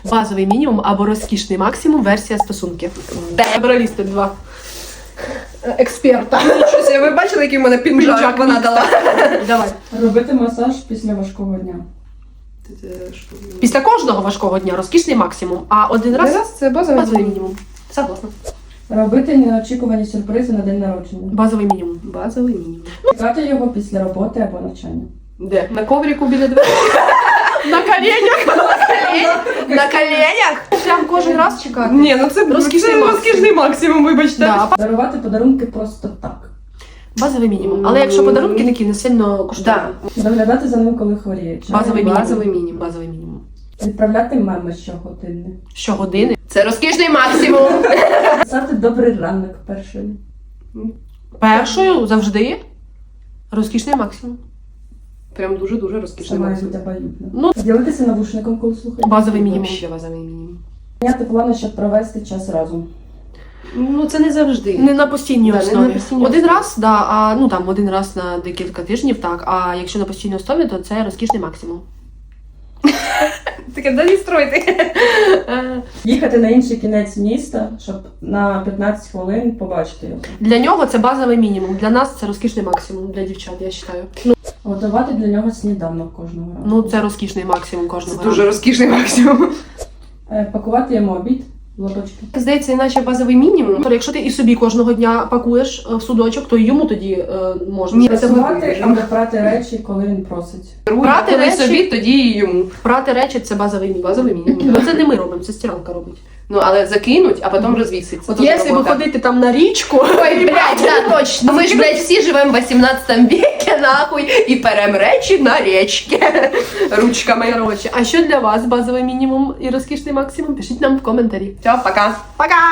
Базовий мінімум або розкішний максимум версія стосунків. Добралісти два експерта. Щось, ви бачили, який в мене піджак вона дала? Давай. Робити масаж після важкого дня. Після кожного важкого дня розкішний максимум, а один раз Це базовий базовий мінімум. мінімум. Согласна. Робити неочікувані сюрпризи на день народження. Базовий мінімум. Базовий мінімум. Чекати його після роботи або навчання. Де? На коврику біля дверей? На коленях? На коленях? Прям кожен раз чекати. Ні, ну це Розкішний максимум, вибачте. Да, Дарувати подарунки просто так. базовий мінімум. Але якщо подарунки такі не сильно коштують. Да. Доглядати за ним, коли хворіє. Базовий мінімум. Базовий мінімум. Базовий мінімум. Відправляти меми щогодини. Щогодини. Це розкішний максимум. Писати добрий ранок першою. Першою завжди розкішний максимум. Прям дуже-дуже Це розкішний має максимум. бути абсолютно. Ну, Ділитися навушником, коли слухаєте. базовий мінімум. Ще базовий мінімум. Міняти плани, щоб провести час разом. Ну це не завжди. Не на постійній Да, не основі. на постійній Один основі. раз, да, а ну там один раз на декілька тижнів, так. А якщо на постійній основі, то це розкішний максимум. Таке, да не стройте. Їхати на інший кінець міста, щоб на 15 хвилин побачити його. Для нього це базовий мінімум. Для нас це розкішний максимум, для дівчат, я вважаю. Ну, Готувати для нього сніданок кожного разу. ну це розкішний максимум Це кожного дуже разу. розкішний максимум. Пакувати йому обід в лоточки. Здається, іначе базовий мінімум. Тобто, якщо ти і собі кожного дня пакуєш в судочок, то й йому тоді можна. Ні, Прасувати або прати речі, коли він просить. Брати Коли речі- собі, тоді і йому. Прати речі це базовий мінімум. Базовий мінімум. Ну це не ми робимо, це стиралка робить. Ну, але закинуть, а потім розвісить. Це От теж якщо робота. виходити там на річку, Ой, блядь, да, точно. Ми ж, блядь, всі живемо в 18 веке, нахуй, і перем речі на річки. Ручками. коротше, а що для вас базовий мінімум і розкішний максимум? Пишіть нам в коментарі. Все, пока. Пока!